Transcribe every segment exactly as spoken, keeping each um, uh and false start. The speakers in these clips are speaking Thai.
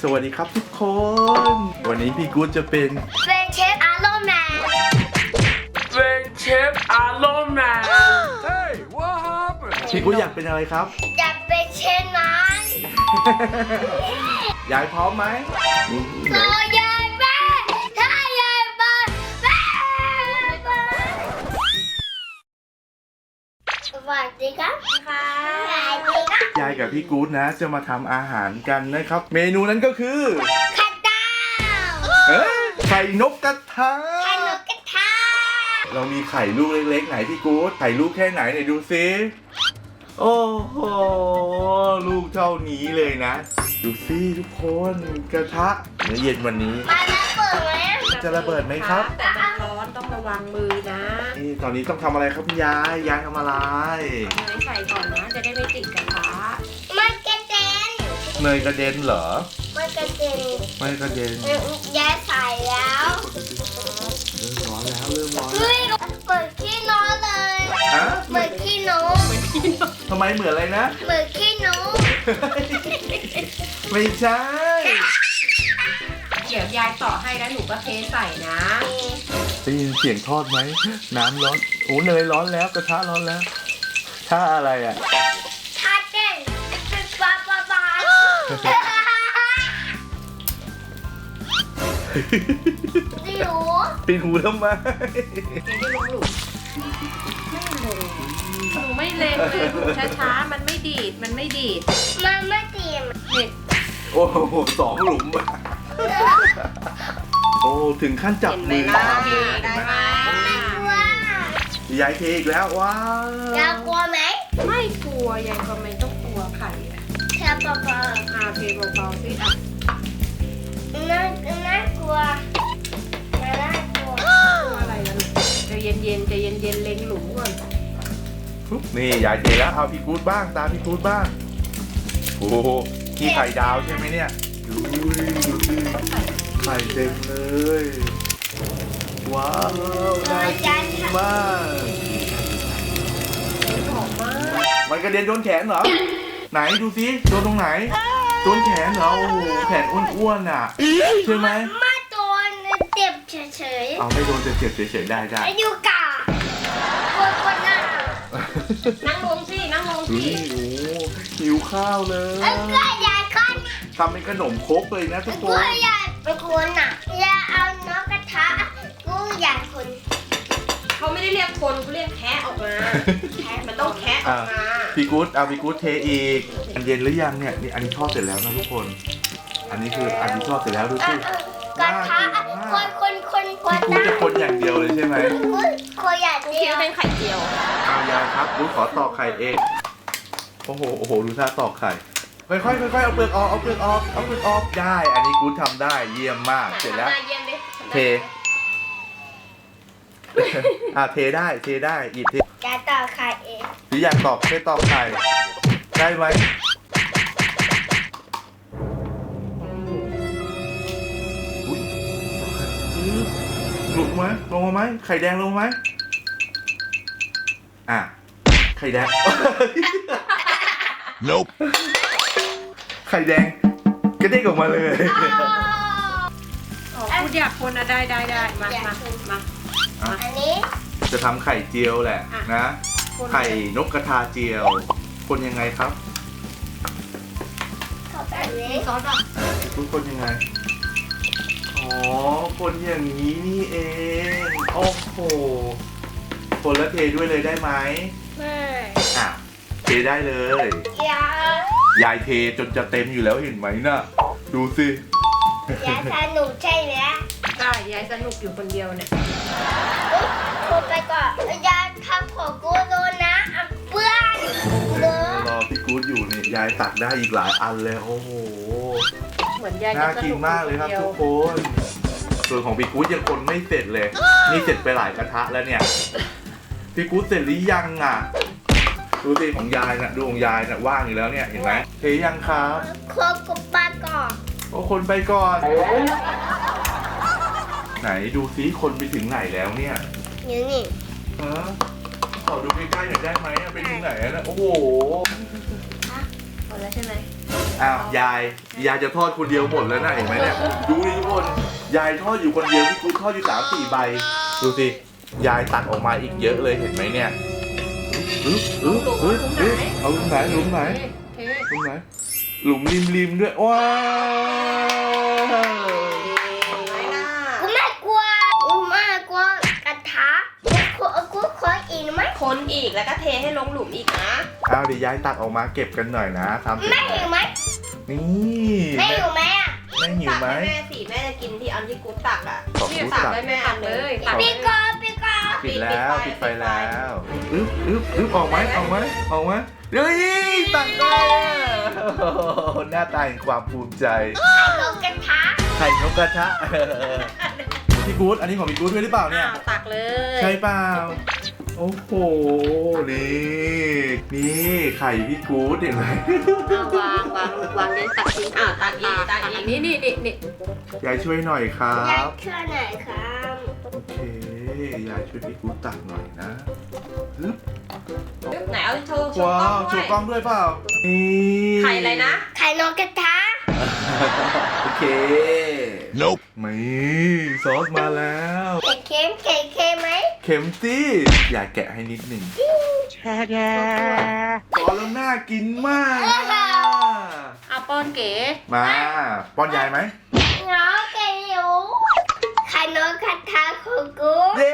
วัสดีครับทุกคน วันนี้พี่กู๊ดจะเป็นเป็นเชฟอาร์โรแมนเป็นเชฟอาร์โรแมน Hey what happened พี่กู๊ดอยากเป็นอะไรครับอยากเป็นเชฟนั้นยายพร้อมไหมโซยายแม่ถ้ายายบ้านแม่สวัสดีครับค่ะสวัสดีครับยายกับพี่กู๊ดนะจะมาทำอาหารกันนะครับ เมนูนั้นก็คือไข่ดาวเอ้ยไข่นกกระทะไข่นกกระทะเรามีไข่ลูกเล็กๆไหนพี่กู๊ดไข่ลูกแค่ไหนไหนดูซิโอ้โหลูกเท่านี้เลยนะดูซิทุกคนกระทะเมื่อเย็นวันนี้มาแล้วเปิดไหมจะระเบิดไหมครับแต่มันร้อนต้องระวังมือนะนี่ตอนนี้ต้องทำอะไรครับคุณยายยายทำอะไรเอาเนยใส่ก่อนนะจะได้ไม่ติดกระทะมันกระเด็นเนยกระเด็นเหรอมันกระเด็นไม่กระเด็นยายใส่แล้วเริ่มร้อนแล้วเริ่มร้อนแล้วเฮ้ยเหมือนขี้นกเลยฮะเหมือนขี้นกทำไมเหมือนอะไรนะเหมือนขี้นกไม่ใช่เดี๋ยวยายต่อให้แล้วหนูก็เทใส่นะได้ยินเสียงทอดไหมน้ำร้อนโอ้เนยร้อนแล้วกระทะร้อนแล้วถ้าอะไรอ่ะถ้าเต้นเป็นปลาปลาปลาดิวปีนหูทำไมยังไม่ลงหลุมไม่ลงหนูไม่เล็งเลยหนูช้าๆมันไม่ดีดมันไม่ดีดมันไม่ตีมเด็กโอ้โหสองหลุมอะโอ้ถึงขั้นจับเห็นไหมมือล่ะทำเลยได้เห็นไหไหมมกลัวยายเทอีกแล้วว้าวอยากกลัวไหมไม่กลัวยายก็ไม่ต้องกลัวไข่อะแค่ปลาปลาอาเทเบาๆสิอ่ะน่าน่ากลัวน่ากลัวกลัวอะไรล่ะลูกใจเย็นๆใจเย็นๆเล็งหลุมก่อนปุ๊บนี่ยายเทแล้วเอาพี่กู๊ดบ้างตามพี่กู๊ดบ้างโอ้โหนี่ไข่ดาวใช่ไหมเนี่ยดูดิดูดิไข่เต็มเลยว้าวน่ากินมากหอมมากมันกระเด็นโดนแขนเหรอไหนดูซิโดนตรงไหนโดนแขนเหรอโอ้โหแขนอ้วนๆอ่ะใช่ไหมมาโดนเจ็บเฉยเอาไม่โดนจะเจ็บเฉยๆได้ได้ๆอายุกะคนคนน่ะนั่งลงสินั่งลงดูสินี่โอ้หิวข้าวเลยเอ้ยก็ยายก้อนทำเป็นขนมครกเลยนะทุกคกูนอยากเป็นคนน่ะอยากเอานกกระทะกูอยากคนเขาไม่ได้เรียกคนเขาเรียกแคะออกมาแคะมันต้องแคะออกมาพี่กู๊ดเอาพี่กู๊ดเทอีกอันเย็นหรือยังเนี่ยนี่อันนี้ทอดเสร็จแล้วนะทุกคน อันนี้คืออันที่ทอดเสร็จแล้วดูสิกระทะคนคนคนคนพี่กู๊ดจะคนอย่างเดียวเลยใช่ไหมกูคนอยากกูเดีคิดยวว่าเป็นไข่เจียวเอายายครับกู๊ดขอตอกไข่เองโอ้โหโอ้โหดูท่าตอกไข่ค่อยๆค่อยๆเอาเปลือกออกเอาเปลือกออกเอาเปลือกออกได้ อันนี้กู๊ดทำได้เยี่ยมมากเสร็จแล้วทำหน้าเยี่ยมดิเท อ่ะเทได้เทได้หยิบเทจะต่อไข่เองหรืออยากตอกแค่ตอกไข่ได้ไหมอุ๊ยหลุดไหมลงมาไหมไข่แดงลงไหมอ่ะไข่แดง Nope ไข่แดงกระเด้งออกมาเลยอ๋อพูดอยากคนอะได้ได้ได้มามามาอันนี้จะทำไข่เจียวแหละนะ ไข่นกกระทาเจียว คนยังไงครับขอบอันนี้มีซอสป่ะทุกคนยังไง อ๋อ คนอย่างนี้นี่เอง โอ้โห คนละเทด้วยเลยได้ไหมไม่อ่ะ เทได้เลยอยากยายเทจนจะเต็มอยู่แล้วเห็นไหมน่ะ ดูสิอยากสนุกใช่ไหมได้ยายสนุกอยู่คนเดียวเนี่ยพูดไปก่อนอยากทำของกูโดนนะอ่ะเพื่อนเนอะรอพี่กู๊ดอยู่นี่ยายตักได้อีกหลายอันเลย โอ้โหเหมือนยายน่าจะสกินนุกมากเลยครับดีวทุกคน ส่วนของพี่กู๊ดยังคนไม่เสร็จเลย นี่เสร็จไปหลายกระทะแล้วเนี่ย พี่กู๊ดเสร็จหรือยังอ่ะ ดูสิของยายน่ะดูของยายน่ะว่างอยู่แล้วเนี่ยเห็นไหมเทยังครับครบกับปลาก่อนโอ้คนไปก่อน ไหนดูซิคนไปถึงไหนแล้วเนี่ยนี่นี่ฮะขอดูใกล้ๆหน่อยได้ไหมอะไปถึงไหนแล้วนะโอ้โหหมดแล้วใช่ไหมออ้าวยายยายจะทอดคนเดียวหมดแล้วนะเห็นไหมเนี่ยดูดิทุกคนยายทอดอยู่คนเดียวพี่กู๊ดทอดอยู่สามสี่ใบดูสิยายตักออกมาอีกเยอะเลยเห็นไหมเนี่ยอึ๊บอึ๊บอึ๊บอึ๊บเอาหลุมไหนหลุมไหนเทหลุมไหนหลุมริมริมๆด้วยว้าวไม่ล่ะกูไม่กลัวกูไม่กลัวกระทะกูกูขออีกไหมคนอีกแล้วก็เทให้ลงหลุมอีกนะเอาเดี๋ยวยายตักออกมาเก็บกันหน่อยนะทำเสร็จแม่หิวไหมนี่แม่หิวไหมอ่ะแม่หิวตักไหมให้แม่สิแม่จะกินที่อันที่กูตักอ่ะขอบคุณตักตักให้แม่อันเลยตักปีกอปีกอปิดแล้วปิดไฟแล้วอึ๊บอึ๊บอึ๊บออกไหมออกไหมออกไหมเฮ้ยตักได้อะโอ้โหหน้าตาแห่งความภูมิใจลงกระทะไข่นกกระทะพี่กู๊ดอันนี้ของพี่กู๊ดด้วยหรือเปล่าเนี่ยอ้าวตักเลยใช่เปล่าโอ้โหนี่นี่ไข่พี่กู๊ดเห็นไหมเอาวางวางวางเดี๋ยวตักทิ้งอ้าวตักอีกตักอีกนี่นี่นี่นี่ยายช่วยหน่อยครัยายบช่วยหน่อยครับโอเคยายช่วยพี่กู๊ดตักหน่อยนะฮึบไหนเอาโชว์โชว์ว้ากล้อวงโชด้วยว์กล้องด้วยเปล่านี่ไข่อะไรนะไข่นกกระทะโอเค Nope มีซอสมาแล้วไข่เค็มไข่เค็มไหมเข็มซี่อยากแกะให้นิดหนึ่งซอสแล้วน่ากินมากอะเอาป้อนเก๋มาป้อนยายไหมน้องไก่หิวไข่นกกระทะของกูเย้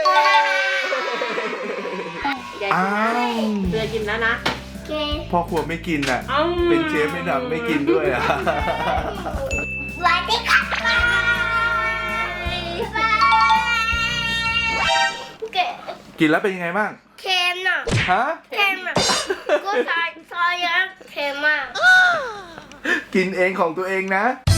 ยายอ้าวเรือกินแล้วนะเกพ่อครัวไม่กินอ่ะอ้าวเป็นเชฟไม่ดำไม่กินด้วยอ่ะสวัสดีครับบายบายเกกินแล้วเป็นยังไงบ้างเค็มน่ะฮะเค็มอ่ะกูใส่ซอสเยอะเค็มมากกินเองของตัวเองนะ